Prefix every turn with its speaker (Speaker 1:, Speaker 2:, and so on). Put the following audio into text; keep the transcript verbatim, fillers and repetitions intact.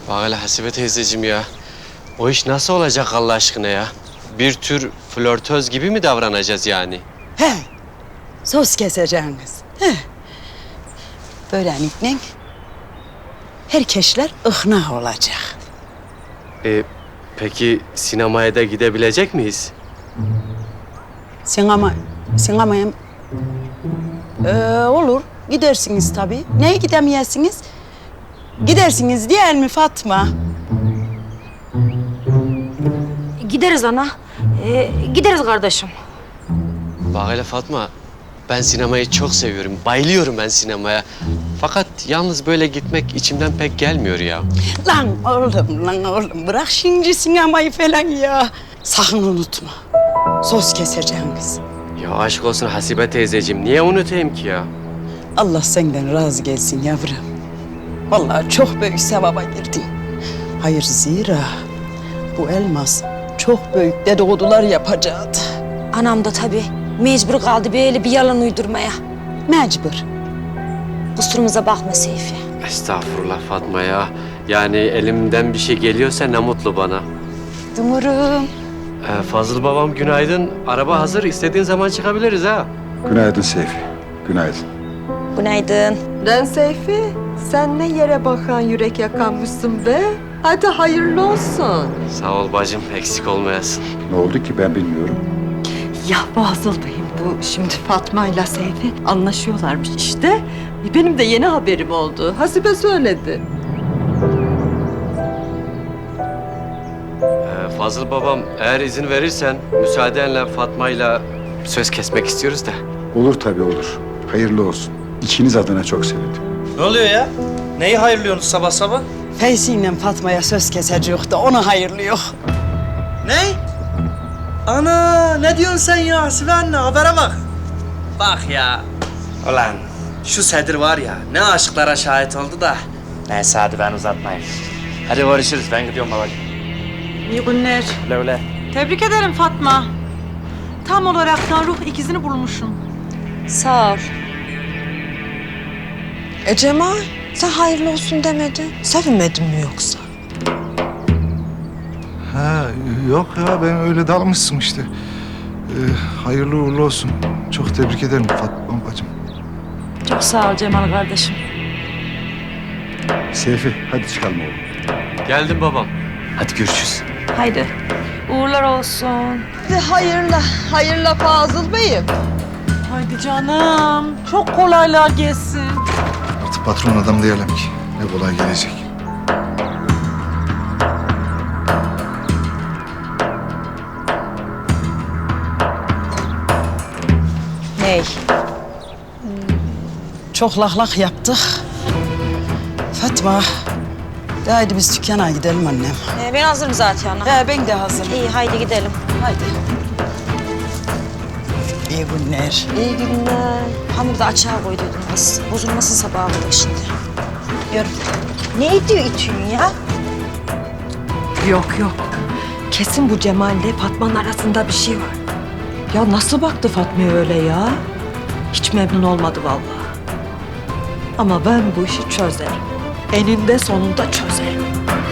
Speaker 1: Bak hele Hasibe teyzeciğim ya. O iş nasıl olacak Allah aşkına ya? Bir tür flörtöz gibi mi davranacağız yani?
Speaker 2: He, söz keseceğiniz. He. Böylelikle herkesler ikna olacak.
Speaker 1: Ee, peki sinemaya da gidebilecek miyiz?
Speaker 2: Sinema, sinemaya ee, olur. Gidersiniz tabii. Neye gidemeyesiniz? Gidersiniz değil mi Fatma?
Speaker 3: Gideriz ana. Ee, gideriz kardeşim.
Speaker 1: Bak hele Fatma, ben sinemayı çok seviyorum. Bayılıyorum ben sinemaya. Fakat yalnız böyle gitmek içimden pek gelmiyor ya.
Speaker 2: Lan oğlum, lan oğlum. Bırak şimdi sinemayı falan ya. Sakın unutma. Söz keseceğiniz.
Speaker 1: Ya aşk olsun Hasibe teyzeciğim, niye unutayım ki ya?
Speaker 2: Allah senden razı gelsin yavrum. Vallahi çok büyük sevaba girdin. Hayır zira bu elmas çok büyük dedikodular yapacaktı.
Speaker 3: Anam da tabii mecbur kaldı böyle bir yalan uydurmaya.
Speaker 2: Mecbur.
Speaker 3: Kusurumuza bakma Seyfi.
Speaker 1: Estağfurullah Fatma ya. Yani elimden bir şey geliyorsa ne mutlu bana.
Speaker 2: Dumurum.
Speaker 1: Ee, Fazıl babam günaydın. Araba hazır. İstediğin zaman çıkabiliriz ha.
Speaker 4: Günaydın Seyfi, günaydın.
Speaker 3: Günaydın.
Speaker 5: Lan Seyfi, sen ne yere bakan yürek yakanmışsın be? Hadi hayırlı olsun.
Speaker 1: Sağ ol bacım. Eksik olmayasın.
Speaker 4: Ne oldu ki ben bilmiyorum.
Speaker 5: Ya Fazıl Bey'im bu şimdi Fatma ile Seyfi anlaşıyorlarmış işte. Benim de yeni haberim oldu. Hasibe söyledi.
Speaker 1: Ee, Fazıl babam eğer izin verirsen müsaadenle Fatma'yla söz kesmek istiyoruz da.
Speaker 4: Olur tabii olur. Hayırlı olsun. İkiniz adına çok sevindim.
Speaker 6: Ne oluyor ya? Neyi hayırlıyorsunuz sabah sabah?
Speaker 2: Feyzi ile Fatma'ya söz kesecek de ona hayırlı yok.
Speaker 6: Ne? Ana ne diyorsun sen ya Hasibe anne habere bak. Bak ya. Ulan şu Sedir var ya ne aşıklara şahit oldu da. Neyse hadi ben uzatmayayım. Hadi görüşürüz ben gidiyorum babacığım.
Speaker 7: İyi günler.
Speaker 6: Öyle öyle.
Speaker 7: Tebrik ederim Fatma. Tam olaraktan ruh ikizini bulmuşsun.
Speaker 3: Sağ ol.
Speaker 5: E Cemal, sen hayırlı olsun demedin. Sevinmedin mi yoksa?
Speaker 8: Ha yok ya ben öyle dalmışsın işte. Ee, hayırlı uğurlu olsun. Çok tebrik ederim Fatma bacım.
Speaker 3: Çok sağ ol Cemal kardeşim.
Speaker 4: Seyfi, hadi çıkalım oğlum.
Speaker 1: Geldim babam. Hadi görüşürüz.
Speaker 3: Haydi. Uğurlar olsun.
Speaker 5: Hayırlı, hayırlı Fazıl Bey'im.
Speaker 7: Haydi canım. Çok kolaylığa gelsin.
Speaker 8: Artık patron adam diyelim ki. Ne kolay gelecek.
Speaker 3: Ney?
Speaker 2: Çok lahlak yaptık. Fatma, de haydi biz dükkana gidelim annem.
Speaker 3: Ee, ben hazırım zaten ana.
Speaker 2: He, ben de hazırım.
Speaker 3: İyi haydi gidelim.
Speaker 2: Haydi. İyi günler.
Speaker 3: İyi günler. Hamuru da açığa koyduydum az. Bozulmasın sabaha kadar şimdi. Yürü. Ne diyor itüğün ya?
Speaker 5: Yok yok. Kesin bu Cemal'le Fatma'nın arasında bir şey var. Ya nasıl baktı Fatma'ya öyle ya? Hiç memnun olmadı vallahi. Ama ben bu işi çözerim. Eninde sonunda çözerim.